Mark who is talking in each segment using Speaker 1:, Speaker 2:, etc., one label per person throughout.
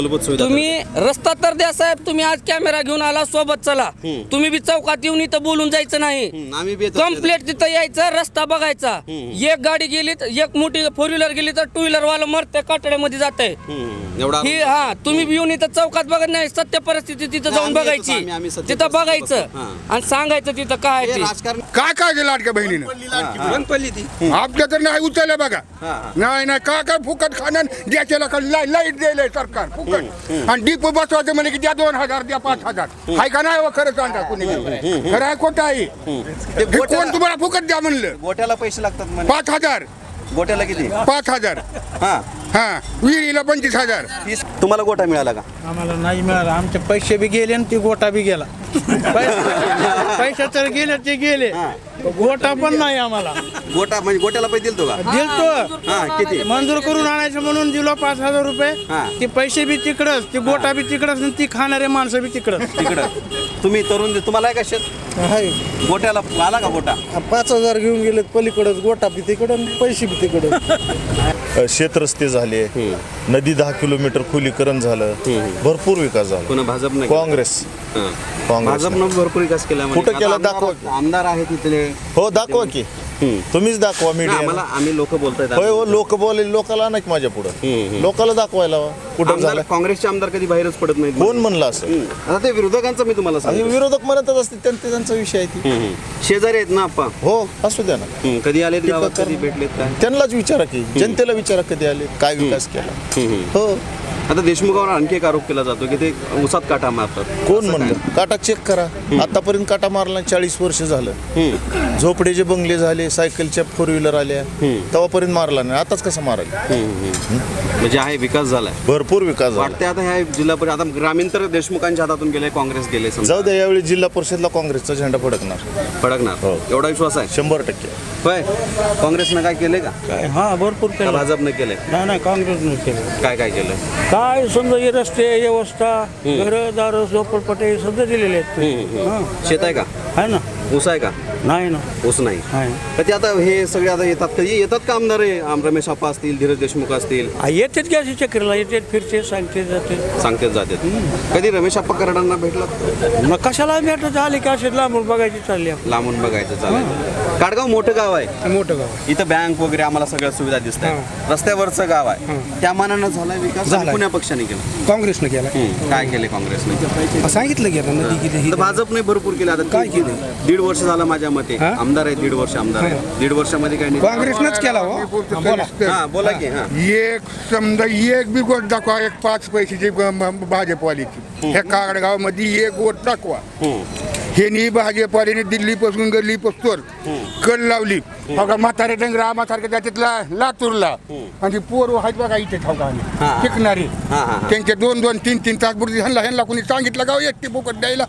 Speaker 1: तुम्ही रस्ता तर द्या साहेब. तुम्ही आज कॅमेरा घेऊन आला, सोबत चला. तुम्ही बी चौकात येऊन इथं बोलून जायचं नाही. कंप्लीट तिथं यायचं, रस्ता बघायचा. एक गाडी गेली तर, एक मोठी 4 व्हीलर गेली तर 2 व्हीलर वाला मरते, काटड्यामध्ये जात आहे. तुम्ही बी येऊन इथं चौकात बघत नाही. सत्य परिस्थिती तिथं जाऊन बघायची, तिथं बघायचं आणि सांगायचं तिथं काय आहे ते.
Speaker 2: काय गेलं लाडक्या बहिणीनं आपल्या तर नाही उचललं बघा. नाही काय फुकट खाणं द्यायला लाईट द्यायला सरकार फुकट. आणि डीप बसवायचं म्हणजे की द्या 2000 द्या 5000. हाय का नाही खरं सांगा कुणी खरं आहे खोटं आहे. कोण तुम्हाला फुकट द्या म्हणलं.
Speaker 3: गोट्याला पैसे लागतात
Speaker 2: 5000.
Speaker 3: गोट्याला किती
Speaker 2: 5000. हा विहिरीला 25000.
Speaker 3: तुम्हाला गोटा मिळाला का?
Speaker 4: आम्हाला नाही मिळाला. आमचे पैसे बी गेले आणि ती गोटा बी गेला. पैसे तर गेले ते गेले, गोटा पण नाही आम्हाला.
Speaker 3: गोटा म्हणजे गोट्याला पैसे दिलतो का?
Speaker 4: दिलतो.
Speaker 3: किती
Speaker 4: मंजूर करून आणायचं म्हणून दिलो 5000 रुपये. ते पैसे बी तिकडच, ते गोटा बी तिकडच, ती खाणारे माणसं बी तिकडच.
Speaker 3: तुम्ही तरुण तुम्हाला आहे का शेत? गोट्याला आला का गोटा?
Speaker 4: 5000 घेऊन गेले पलीकडच, गोटा बी तिकडं, पैसे बी तिकडं.
Speaker 5: शेत रस्ते झाले, नदी 10 किलोमीटर खोलीकरण झालं, भरपूर विकास झाला.
Speaker 3: पुन्हा भाजप नाही,
Speaker 5: काँग्रेस
Speaker 3: भाजपनं भरपूर विकास केला.
Speaker 5: कुठं केला दाखवा.
Speaker 3: आमदार आहे तिथले.
Speaker 5: हो दाखवा की, तुम्हीच दाखवा मीडिया.
Speaker 3: आम्ही लोक बोलतायत.
Speaker 5: होय हो, लोक बोलले लोकाला नाही माझ्या पुढे, लोकाला दाखवायला कुठं झालं.
Speaker 3: काँग्रेसचे आमदार कधी बाहेरच पडत नाही.
Speaker 5: कोण म्हणलं असं?
Speaker 3: आता ते विरोधकांचं मी तुम्हाला सांगतो.
Speaker 5: विरोधक म्हणतच असते, त्यांचा विषय आहे ती.
Speaker 3: शेजारी आहेत ना आप्पा?
Speaker 5: हो असू द्या ना.
Speaker 3: कधी आले गावात, कधी भेटलेत काय?
Speaker 5: त्यांनाच विचारा की, जनतेला विचारा कधी आले, काय विकास केला. हो
Speaker 3: आता देशमुखावर आणखी एक आरोप केला जातो की ते उसात काटा मारतात.
Speaker 5: कोण म्हणलं? काटा चेक करा. आतापर्यंत काटा मारला 40 वर्ष झालं. झोपडे बंगले झाले, सायकलच्या 4 व्हीलर आल्या, तेव्हापर्यंत मारला नाही. आताच कसं मारायला?
Speaker 3: म्हणजे आहे विकास झालाय,
Speaker 5: भरपूर विकास झाला.
Speaker 3: वाटते आता ह्या जिल्हा परिषद आता ग्रामीण तर देशमुखांच्या हातातून गेले, काँग्रेस गेले.
Speaker 5: जाऊ द्या, यावेळी जिल्हा परिषदला काँग्रेसचा झेंडा फडकणार.
Speaker 3: हो. एवढा विश्वास आहे?
Speaker 5: 100%.
Speaker 3: होय. काँग्रेसनं काय केलंय का?
Speaker 4: हा भरपूर केलं.
Speaker 3: भाजपनं केलंय?
Speaker 4: नाही काँग्रेसने केलं.
Speaker 3: काय केलं?
Speaker 4: काय समजा हे रस्ते, व्यवस्था, घरदार, झोपडपट्टे सगळं दिलेले आहेत.
Speaker 3: शेत आहे का?
Speaker 4: आहे ना.
Speaker 3: ऊस आहे का?
Speaker 4: नाही ना.
Speaker 3: ऊस नाही. तर ते आता हे सगळे आता येतात, कधी येतात का आमदार? रमेश आप्पा असतील, धीरज देशमुख असतील,
Speaker 4: येतात की अशी चक्रीला येतात, फिरते, सांगते, जाते.
Speaker 3: सांगतेच जातात. कधी रमेश आप्पा कराडांना भेटला?
Speaker 4: मग कशाला भेटत आले की असे लांबून बघायची चालली आपण.
Speaker 3: लांबून बघायचं चालेल. काडगाव मोठं गाव आहे,
Speaker 4: मोठं गाव.
Speaker 3: इथं बँक वगैरे आम्हाला सगळ्या सुविधा दिसतात. रस्त्यावरचं गाव आहे, त्या मानानं झाला विकास? कुण्या पक्षाने केला?
Speaker 4: काँग्रेसनं केला.
Speaker 3: काय केले काँग्रेसने?
Speaker 4: सांगितलं की आता नदी किती.
Speaker 3: भाजपने भरपूर केलं. आता काय केलं? 1.5 वर्ष झालं माझ्या मते. आमदार आहे, 1.5 वर्ष आमदार आहे. 1.5 वर्षामध्ये काय नाही.
Speaker 4: काँग्रेसनंच केला.
Speaker 3: हा बोला की.
Speaker 2: एक समजा एक बी गोट दाखवा, एक 5 पैशाची भाजपवालीची ह्या कागडगावमध्ये एक गोट दाखवा. हे भाजपवालीने दिल्लीपासून गल्लीपासून कल लावली. बघा म्हातारे डंगरा म्हातारे त्याच्यातला लातूरला, आणि पोर आहेत बघा इथे शिकणारे, त्यांचे 2-2, 3-3 तास बुरजी ह्यांना कोणी सांगितलं गाव एकटी बोकट द्यायला.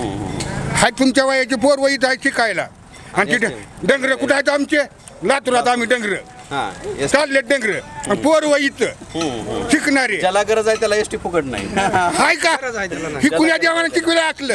Speaker 2: हाय तुमच्या वयाचे पोर वहीत आहे शिकायला. आणि तिथे डंगर कुठे आहेत आमचे? लातूरात आम्ही डंगर चालले, डंगर पोर वहीत शिकणारे.
Speaker 3: ज्याला गरज आहे त्याला एसटी फुकट नाही.
Speaker 2: हाय का? ही कुण्या देवाने शिकवलं असलं?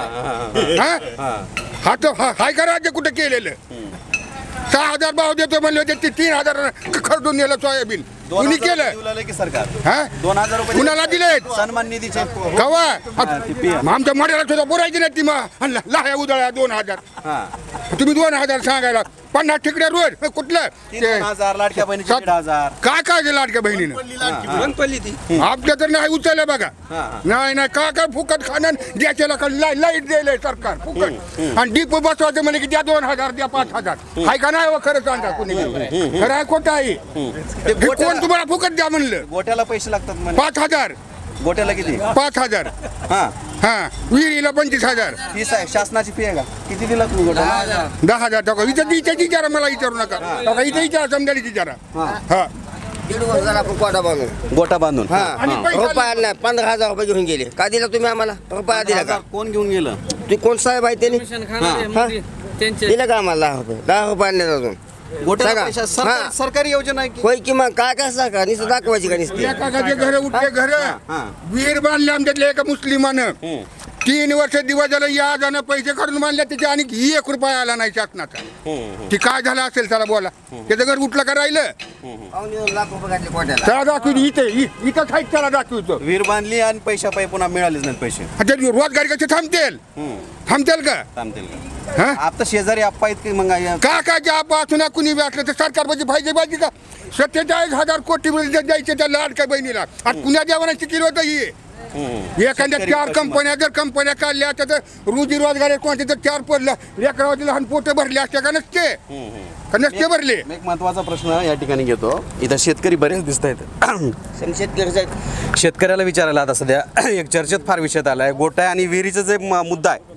Speaker 2: हा तर हाय का राज्य कुठं केलेलं? 6000 भाव देतो म्हणले होते, ते 3000 खरडून नेलं सोयाबीन. कुणी केलं
Speaker 3: की सरकार?
Speaker 2: 2000 रुपये कुणाला दिले?
Speaker 3: सन्मान निधीचे
Speaker 2: कवा आमच्या मड्याला सुद्धा बोलायची नाही ती. लाह्या उदळ्या 2000. तुम्ही 2000 सांगायला 50 ठिकड्या रोज कुठलं?
Speaker 3: 3000 लाडक्या बहिणीचे 1,500.
Speaker 2: काय लाडक्या बहिणीनं आपल्या तर नाही उचललं बघा. नाही काय फुकट खाणं द्यायला लाईट द्यायला सरकार फुकट. आणि डीप बसवायचं म्हणजे की द्या 2000 द्या 5000. हाय का नाही खरं सांगा कुणी खरं आहे खोटं आहे? कोण तुम्हाला फुकट द्या म्हणलं.
Speaker 3: गोट्याला पैसे लागतात
Speaker 2: 5000.
Speaker 3: गोट्याला किती?
Speaker 2: 5000. विहिरीला 25000.
Speaker 3: फीस आहे, शासनाची फी आहे का? किती दिला तुम्ही गोट्याला?
Speaker 2: 10,000 टाका. इथं विचारा, मला विचारू नका. इथं विचारा, समजायला विचारा.
Speaker 6: 1.5 वर्ष झाला आपण गोटा बांधून.
Speaker 3: गोटा बांधून
Speaker 6: रुपया नाही, 15,000 रुपये घेऊन गेले. का दिला तुम्ही आम्हाला? रुपया दिला का?
Speaker 3: कोण घेऊन गेलं?
Speaker 6: ते कोण साहेब आहे त्यांनी दिलं का आम्हाला? 10 रुपये आणले अजून.
Speaker 3: सरकारी योजना आहे
Speaker 6: होय की मग काय सरकार नुसतं दाखवायची का नुसती?
Speaker 2: एकाचे घर उठले घर विहीर बांधले आमच्यातले एका मुस्लिमानं. 3 वर्ष दिवस झालं याजानं पैसे काढून मानले त्याचे आणि 1 रुपया आला नाही शासनाचा. ती काय झालं असेल त्याला बोला. त्याचं घर उठलं का राहिलं
Speaker 6: पावणे 2 लाख रुपये घातले कोट्याला.
Speaker 2: त्याला दाखवतो इथं खाईत त्याला दाखवतो.
Speaker 3: विहीर बांधली आणि पैशापायी पुन्हा मिळालेच नाहीत पैसे.
Speaker 2: आता रोजगारी कसे थांबतील का
Speaker 3: थांबतील का?
Speaker 2: हा
Speaker 3: आता शेजारी आप्पा आहेत की मग
Speaker 2: का काय जे आपण कुणी बी असलं तर सरकार पाहिजे पाहिजे का 47,000 कोटी द्यायचे त्या लाडक्या बहिणीला आणि पुण्या देवाना किलो होतं ही. एखाद्या 4 कंपन्या काढल्या तर रोजी रोजगार कोणते तर 4 पडलं लेकरावरती लहान पोटे भरले असते का नसते भरले.
Speaker 3: एक महत्वाचा प्रश्न या ठिकाणी घेतो. इथं शेतकरी बरेच दिसत आहेत. शेतकऱ्याला विचारायला आता सध्या एक चर्चेत फार विषयात आला आहे गोठा आणि विहिरीचा जे मुद्दा आहे.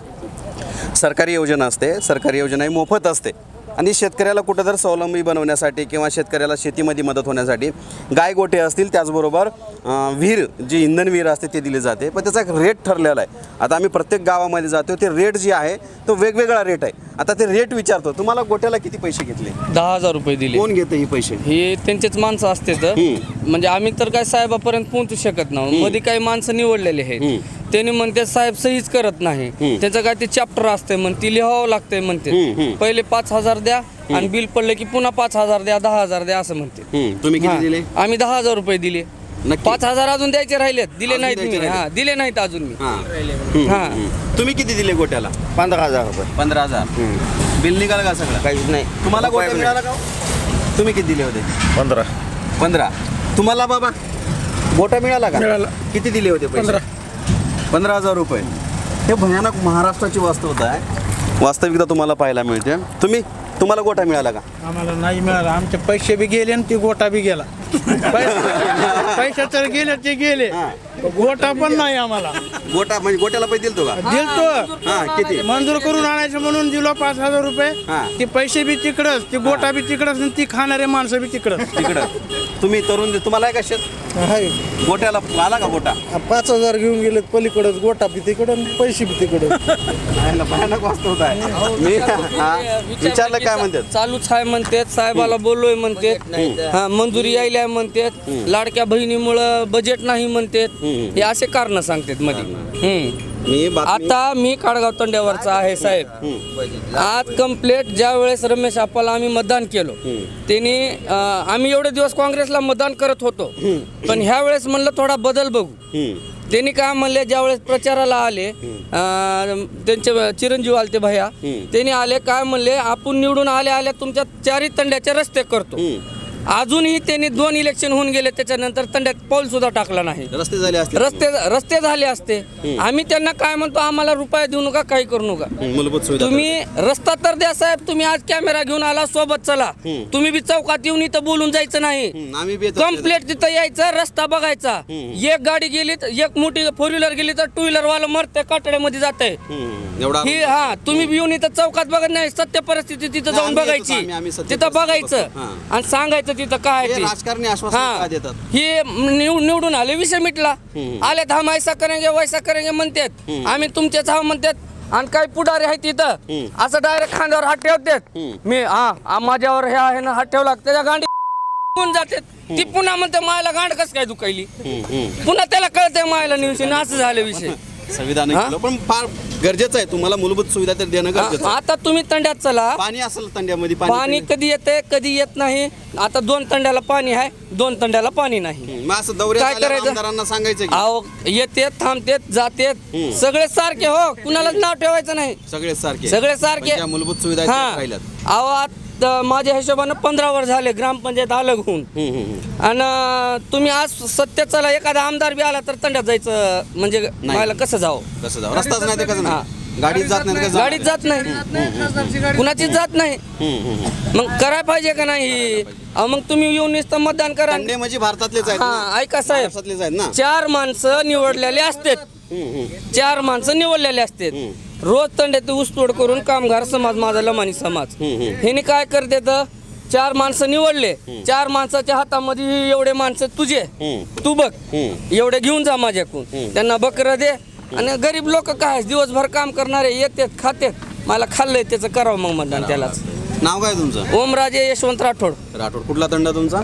Speaker 3: सरकारी योजना असते, सरकारी योजना ही मोफत असते आणि शेतकऱ्याला कुठं स्वावलंबी बनवण्यासाठी किंवा शेतकऱ्याला शेतीमध्ये मदत होण्यासाठी गाय गोठे असतील, त्याचबरोबर विहीर जी इंधन विहीर असते ते दिली जाते. पण त्याचा एक रेट ठरलेला आहे. आता आम्ही प्रत्येक गावामध्ये जातो, ते रेट जे आहे तो वेगवेगळा रेट आहे. आता ते रेट विचारतो, तुम्हाला गोट्याला किती पैसे घेतले?
Speaker 1: 10,000 रुपये दिले.
Speaker 3: कोण घेते ही पैसे?
Speaker 1: हे त्यांचेच माणसं असते तर म्हणजे आम्ही तर काय साहेबापर्यंत पोहोचू शकत नाही. मध्ये काही माणसं निवडलेले आहेत, त्यांनी म्हणते साहेब सहीच करत नाही. त्याचं काय ते चॅप्टर असते म्हण ती लिहावं लागतंय म्हणते. पहिले 5,000 द्या आणि बिल पडलं की पुन्हा 5,000 द्या, 10,000 द्या असं म्हणते.
Speaker 3: तुम्ही किती दिले?
Speaker 1: आम्ही 10,000 रुपये दिले.
Speaker 3: नक्की?
Speaker 1: 5,000 अजून द्यायचे राहिलेत, दिले
Speaker 3: अजून
Speaker 1: नाहीत
Speaker 3: द्यायचे
Speaker 1: मी.
Speaker 3: राहिले?
Speaker 1: दिले नाहीत अजून मी.
Speaker 3: हां. तुम्ही किती दिले गोट्याला?
Speaker 6: 15,000 रुपये.
Speaker 3: 15,000. बिल निघालं का सगळं?
Speaker 6: काहीच नाही.
Speaker 3: तुम्हाला
Speaker 6: रुपया
Speaker 3: गोट्या
Speaker 6: बी
Speaker 3: मिळाला का? तुम्ही किती दिले होते? 15. तुम्हाला बाबा गोटा मिळाला का?
Speaker 4: मिळाला.
Speaker 3: किती दिले होते पैसे? 15,000 रुपये. हे भयानक महाराष्ट्राची वास्तवता आहे. वास्तविकता तुम्हाला पाहायला मिळते. तुम्हाला गोटा मिळाला का?
Speaker 4: आम्हाला नाही मिळाला. आमचे पैसे बी गेले आणि ती गोटा बी गेला. पैसे तर गेले ते गेले, गोटा पण नाही आम्हाला.
Speaker 3: गोटा म्हणजे गोट्याला पैसे दिलतो का?
Speaker 4: दिलतो.
Speaker 3: हा, किती?
Speaker 4: मंजूर करून आणायचं म्हणून दिलो 5,000
Speaker 3: हा.
Speaker 4: रुपये. ते पैसे बी तिकडच, ती गोटा बी तिकडच आणि ती खाणारे माणसं बी तिकडच.
Speaker 3: तिकडं तुम्ही तरुण तुम्हाला आहे का शेत? गोट्याला आला का गोटा?
Speaker 5: 5,000 घेऊन गेले पलीकडच, गोटा बी तिकडं पैसे बी तिकडं.
Speaker 3: भयानक वास्तवता आहे. मी विचारलं काय म्हणतात?
Speaker 1: चालूच आहे म्हणतात, साहेबाला बोललोय म्हणतात, हा मंजुरी यायला म्हणतात, लाडक्या बहिणीमुळं बजेट नाही म्हणतात. हे असे कारण सांगतात मध्ये.
Speaker 3: मी
Speaker 1: आता मी काडगाव तंड्यावरचा आहे साहेब. आज कंप्लेट ज्या वेळेस रमेश आप्पाला आम्ही मतदान केलं, त्यांनी आम्ही एवढे दिवस काँग्रेसला मतदान करत होतो, पण ह्या वेळेस म्हणलं थोडा बदल बघू. त्यांनी काय म्हणले, ज्या वेळेस प्रचाराला आले त्यांचे चिरंजीव आले ते भैया, त्यांनी आले काय म्हणले, आपण निवडून आल्या तुमच्या 4 तंड्याचे रस्ते करतो. अजूनही त्यांनी 2 इलेक्शन होऊन गेले, त्याच्यानंतर तंड्यात पाऊल सुद्धा टाकला नाही.
Speaker 3: रस्ते झाले असते.
Speaker 1: रस्ते झाले असते. आम्ही त्यांना काय म्हणतो, आम्हाला रुपये देऊ नका, काही करू नका.
Speaker 3: मूलभूत सुविधा
Speaker 1: तुम्ही रस्ता तर द्या साहेब. तुम्ही आज कॅमेरा घेऊन आला, सोबत चला. तुम्ही बी चौकात येऊन इथं बोलून जायचं नाही.
Speaker 3: आम्ही बी
Speaker 1: कम्प्लेट तिथं यायचं, रस्ता बघायचा. एक गाडी गेली, एक मोठी 4 व्हीलर गेली तर 2 व्हीलर वाला मरते, काटड्यामध्ये जात आहे.
Speaker 3: एवढा
Speaker 1: ही तुम्ही बी येऊन इथं चौकात बघत नाही, सत्य परिस्थिती तिथं जाऊन
Speaker 3: आम्ही येतो,
Speaker 1: बघायची,
Speaker 3: आम्ही सत्य
Speaker 1: तिथं
Speaker 3: परिस्थिती
Speaker 1: बघायचं
Speaker 3: बघतो.
Speaker 1: आणि सांगायचं तिथं काय
Speaker 3: हे
Speaker 1: ते.
Speaker 3: राजकारणी आश्वासन काय देतात?
Speaker 1: हे निवडून आले, विषय मिटला. आले हम ऐसा करेंगे वैसा करेंगे म्हणतात, आम्ही तुमचेच हा म्हणतात. आणि काही पुढारी आहेत तिथं असं डायरेक्ट खांद्यावर हात ठेवतात. मी माझ्यावर हे आहे ना हात ठेवला, त्याच्या गांडी जातात. ती पुन्हा म्हणते मायला गांड कस काय दुखायली, पुन्हा त्याला कळतंय मायला निवडून. असं झालं विषय.
Speaker 3: संविधान केलं, पण फार गरजेचं आहे. तुम्हाला मूलभूत सुविधा तर देणं गरजेचं आहे.
Speaker 1: आता तुम्ही तंड्यात चला,
Speaker 3: पाणी असेल तंड्यामध्ये
Speaker 1: पाणी कधी येते कधी येत नाही. आता 2 तंड्याला पाणी आहे, 2 तंड्याला पाणी नाही.
Speaker 3: मग असं दौऱ्यात
Speaker 1: काय
Speaker 3: आल्यावर
Speaker 1: करायचं?
Speaker 3: आमदारांना सांगायचं की
Speaker 1: अहो येतेत, थांबतेत, जातेत, सगळे सारखे. हो, कुणालाच नाव ठेवायचं नाही.
Speaker 3: सगळे सारखे
Speaker 1: सगळे सारखे.
Speaker 3: पण ज्या मूलभूत सुविधा आहेत त्या
Speaker 1: हा.
Speaker 3: राहिल्यात.
Speaker 1: अहो आता माझ्या हिशोबानं 15 वर्ष झाले ग्रामपंचायत अलग होऊन. आणि तुम्ही आज सत्य चला, एखादा आमदार बी आला तर तंड्यात जायचं म्हणजे मला कसं जावं?
Speaker 3: कसं जाऊ? रस्ताच नाही ते कसं नाही? गाडीत जात नाही तर कसं
Speaker 1: गाडीत जात नाही, कुणाचीच जात नाही. मग करायला पाहिजे का नाही? अहो मग तुम्ही येऊन नुसतं मतदान करा.
Speaker 3: तंडे म्हणजे भारतातलेच आहेत ना?
Speaker 1: हा, ऐका साहेब,
Speaker 3: महाराष्ट्रातलेच आहेत ना?
Speaker 1: 4 माणसं निवडलेले असतात. 4 माणसं निवडलेले असतात. रोज तंड्यात ऊसतोड करून कामगार समाज, माझा लमानी समाज, ह्याने काय करते तर 4 माणसं निवडले, 4 माणसाच्या हातामध्ये एवढे माणसं तुझे, तू बघ, एवढे घेऊन जा माझ्याकडून. त्यांना बकरं दे. आणि गरीब लोक काय दिवसभर काम करणारे येतात, खातात. मला खाल्लंय त्याचं करावं मग मतदान त्यालाच.
Speaker 3: नाव काय तुमचं?
Speaker 1: ओमराजे यशवंत राठोड,
Speaker 3: राठोड. कुठला तंडा तुमचा?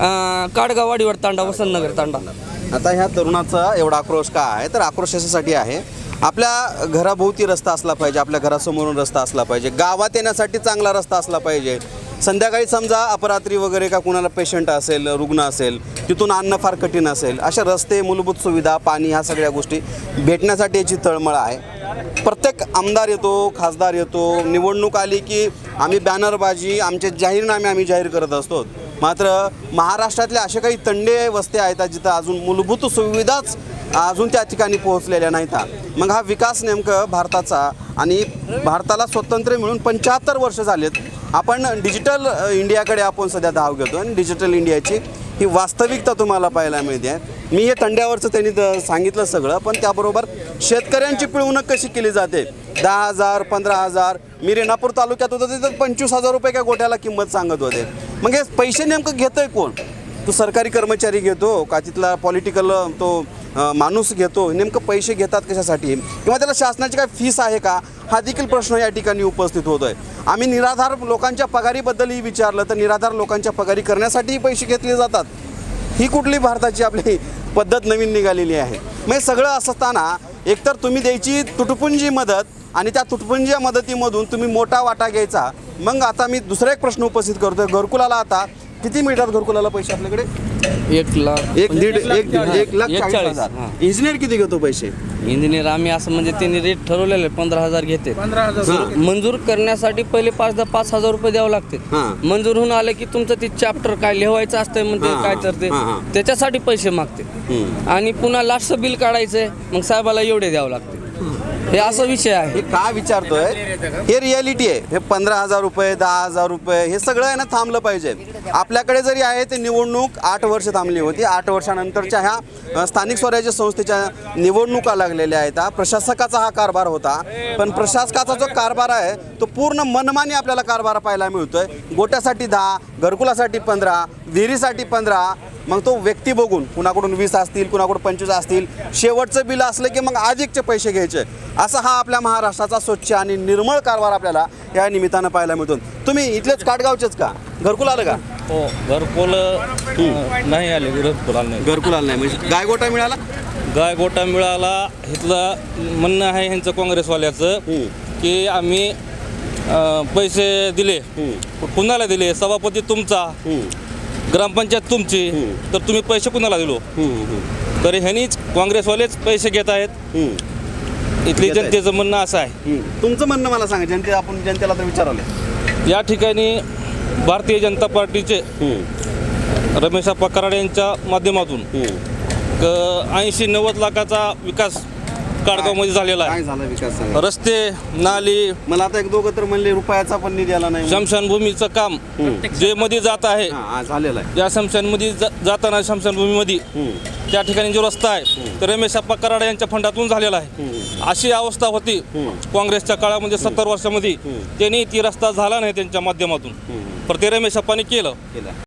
Speaker 1: काडगाव वाडीवर तांडा, वसंतनगर तांडा.
Speaker 3: आता ह्या तरुणाचा एवढा आक्रोश का आहे? तर आक्रोश याच्यासाठी आहे, आपल्या घराभोवती रस्ता असला पाहिजे, आपल्या घरासमोरून रस्ता असला पाहिजे, गावात येण्यासाठी चांगला रस्ता असला पाहिजे. संध्याकाळी समजा अपरात्री वगैरे का कुणाला पेशंट असेल, रुग्ण असेल, तिथून आणणं फार कठीण असेल, अशा रस्ते, मूलभूत सुविधा, पाणी, ह्या सगळ्या गोष्टी भेटण्यासाठी याची तळमळ आहे. प्रत्येक आमदार येतो, खासदार येतो, निवडणूक आली की आम्ही बॅनरबाजी, आमचे जाहीरनामे आम्ही जाहीर करत असतो. मात्र महाराष्ट्रातल्या अशा काही तंडे वस्त्या आहेत जिथं अजून मूलभूत सुविधाच अजून त्या ठिकाणी पोहोचलेल्या नाहीत. मग हा विकास नेमकं भारताचा, आणि भारताला स्वातंत्र्य मिळून 75 वर्ष झालेत. आपण डिजिटल इंडियाकडे आपण सध्या धाव घेतो आणि डिजिटल इंडियाची ही वास्तविकता तुम्हाला पाहायला मिळते. मी हे तंड्यावरचं त्यांनी सांगितलं सगळं, पण त्याबरोबर शेतकऱ्यांची पिळवणूक कशी केली जाते. 10,000, 15,000, मी रेणापूर तालुक्यात होतो तिथं 25,000 रुपये काय गोट्याला किंमत सांगत होते. मग हे पैसे नेमकं घेतोय कोण? तो सरकारी कर्मचारी घेतो का तिथला पॉलिटिकल तो माणूस घेतो? नेमकं पैसे घेतात कशासाठी, किंवा त्याला शासनाची काय फीस आहे का, हा देखील प्रश्न या ठिकाणी उपस्थित होतोय. आम्ही निराधार लोकांच्या पगारीबद्दलही विचारलं तर निराधार लोकांच्या पगारी करण्यासाठीही पैसे घेतले जातात. ही कुठली भारताची आपली पद्धत नवीन निघालेली आहे? मग सगळं असताना एकतर तुम्ही द्यायची तुटपुंजी मदत आणि त्या तुटपुंजी मदतीमधून तुम्ही मोठा वाटा घ्यायचा. मग आता मी दुसरा एक प्रश्न उपस्थित करतोय, घरकुलाला आता किती मिळतात घरकुलाला पैसे आपल्याकडे?
Speaker 1: 1,40,000.
Speaker 3: इंजिनियर किती घेतो पैसे?
Speaker 1: इंजिनियर आम्ही असं म्हणजे त्यांनी रेट ठरवलेले 15,000 घेते.
Speaker 4: 15,000
Speaker 1: मंजूर करण्यासाठी पहिले 5,000 रुपये द्यावे लागते.
Speaker 3: हां.
Speaker 1: मंजूर होऊन आले की तुमचं ते चॅप्टर काय लिहायचं असतंय म्हणजे
Speaker 3: हां,
Speaker 1: काय तर ते
Speaker 3: हां.
Speaker 1: त्याच्यासाठी पैसे मागते. आणि पुन्हा लास्टचं बिल काढायचंय, मग साहेबाला एवढे द्यावं लागते. हे असा विषय आहे.
Speaker 3: हे का विचारतोय, हे रियालिटी आहे. हे 15,000 रुपये, 10,000 रुपये, हे सगळं आहे ना थांबलं पाहिजे. आपल्याकडे जरी आहे ते निवडणूक 8 वर्ष थांबली होती. 8 वर्षानंतरच्या ह्या स्थानिक स्वराज्य संस्थेच्या निवडणुका लागलेल्या आहेत. प्रशासकाचा हा कारभार होता, पण प्रशासकाचा जो कारभार आहे तो पूर्ण मनमानी आपल्याला कारभार पाहायला मिळतोय. गोट्यासाठी 10, घरकुलासाठी 15, विहिरीसाठी 15, मग तो व्यक्ती बघून कुणाकडून 20 असतील, कुणाकडून 25 असतील, शेवटचं बिल असलं की मग अधिकचे पैसे घ्यायचे. असा हा आपल्या महाराष्ट्राचा स्वच्छ आणि निर्मळ कारभार आपल्याला या निमित्तानं पाहायला मिळतो. तुम्ही इथलेच काटगावचेच का? घरकुल आलं का?
Speaker 7: हो, घरकुल नाही आले. घरकुल आलं नाही.
Speaker 3: घरकुल आलं नाही म्हणजे गायगोटा मिळाला?
Speaker 7: गाय गोटा मिळाला. इथलं म्हणणं आहे ह्यांचं काँग्रेसवाल्याचं की आम्ही पैसे दिले. कुणाला दिले? सभापती तुमचा, ग्रामपंचायत तुमची, तर तुम्ही पैसे कुणाला दिलो? तर ह्यांनीच काँग्रेसवालेच पैसे घेत आहेत. इथली जनतेचं म्हणणं असं आहे.
Speaker 3: तुमचं म्हणणं मला सांगा. आपण जनतेला तर विचारलं.
Speaker 7: या ठिकाणी भारतीय जनता पार्टीचे रमेश आप्पा कराड यांच्या माध्यमातून 80-90 लाखाचा विकास काडगावमध्ये झालेला
Speaker 3: काय
Speaker 7: आहे.
Speaker 3: झाला विकास सांगा.
Speaker 7: रस्ते, नाली,
Speaker 3: मला आता एक दोघं तर म्हणले रुपयाचा पण निधी आला नाही.
Speaker 7: शमशानभूमीचं काम जे मध्ये जात आहे,
Speaker 3: हा, झालेला आहे.
Speaker 7: या शमशानमध्ये जाताना शमशानभूमीमध्ये त्या ठिकाणी जो रस्ता आहे तो रमेश आप्पा कराड यांच्या फंडातून झालेला आहे. अशी अवस्था होती काँग्रेसच्या काळामध्ये 70 वर्षामध्ये. त्यांनी ती रस्ता झाला नाही त्यांच्या माध्यमातून, पण ते रमेश आप्पाने केलं.